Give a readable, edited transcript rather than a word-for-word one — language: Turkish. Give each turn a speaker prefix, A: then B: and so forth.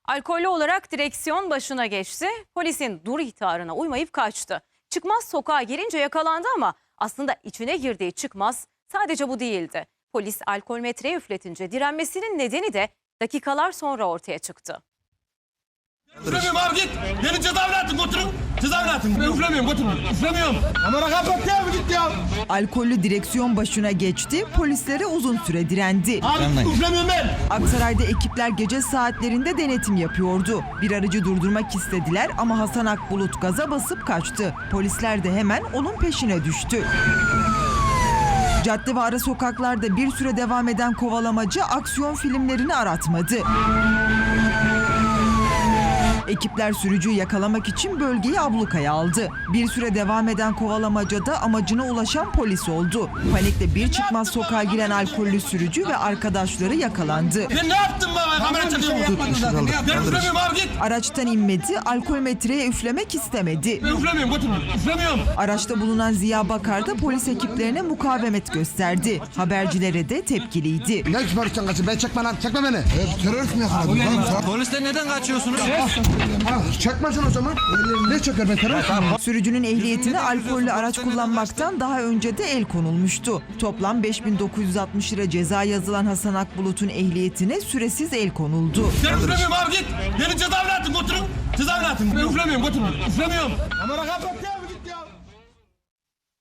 A: Alkollü olarak direksiyon başına geçti. Polisin dur ihtarına uymayıp kaçtı. Çıkmaz sokağa girince yakalandı ama aslında içine girdiği çıkmaz sadece bu değildi. Polis alkol metreye üfletince direnmesinin nedeni de dakikalar sonra ortaya çıktı.
B: Üflemiyorum abi git. Beni cezaevine atın götürün. Cezaevine atın. Ben üflemiyorum götürün. Üflemiyorum. Kamera kapat ya git ya.
C: Alkollü direksiyon başına geçti, polislere uzun süre direndi.
B: Abi üflemiyorum ben.
C: Aksaray'da ekipler gece saatlerinde denetim yapıyordu. Bir aracı durdurmak istediler ama Hasan Akbulut gaza basıp kaçtı. Polisler de hemen onun peşine düştü. Cadde ve ara sokaklarda bir süre devam eden kovalamacı aksiyon filmlerini aratmadı. Ekipler sürücüyü yakalamak için bölgeyi ablukaya aldı. Bir süre devam eden kovalamacada amacına ulaşan polis oldu. Panikle bir çıkmaz sokağa giren alkollü sürücü ve arkadaşları yakalandı.
B: Ben ne yaptım baba? Kamera çekiyorum. Ben üflemiyorum abi git.
C: Araçtan inmedi, alkol metreye üflemek istemedi.
B: Ben üflemiyorum götürün. Üflemiyorum.
C: Araçta bulunan Ziya Bakar da polis ekiplerine mukavemet gösterdi. Habercilere de tepkiliydi.
D: Ne barıştan kaçın? Ben çekme lan, çekme beni. Terörist mi yakaladın?
B: Polisten neden kaçıyorsunuz?
D: Çekmesin o zaman. Ne çeker ben terörist miyim?
C: Sürücünün ehliyetine alkollü araç kullanmaktan daha önce de el konulmuştu. Toplam 5.960 lira ceza yazılan Hasan Akbulut'un ehliyetine süresiz el konuldu.
B: Ben üflemiyorum abi git. Beni cezaevine atın götürün. Cezaevine atın. Ben üflemiyorum götürün. Üflemiyorum. Kamera kapat ya.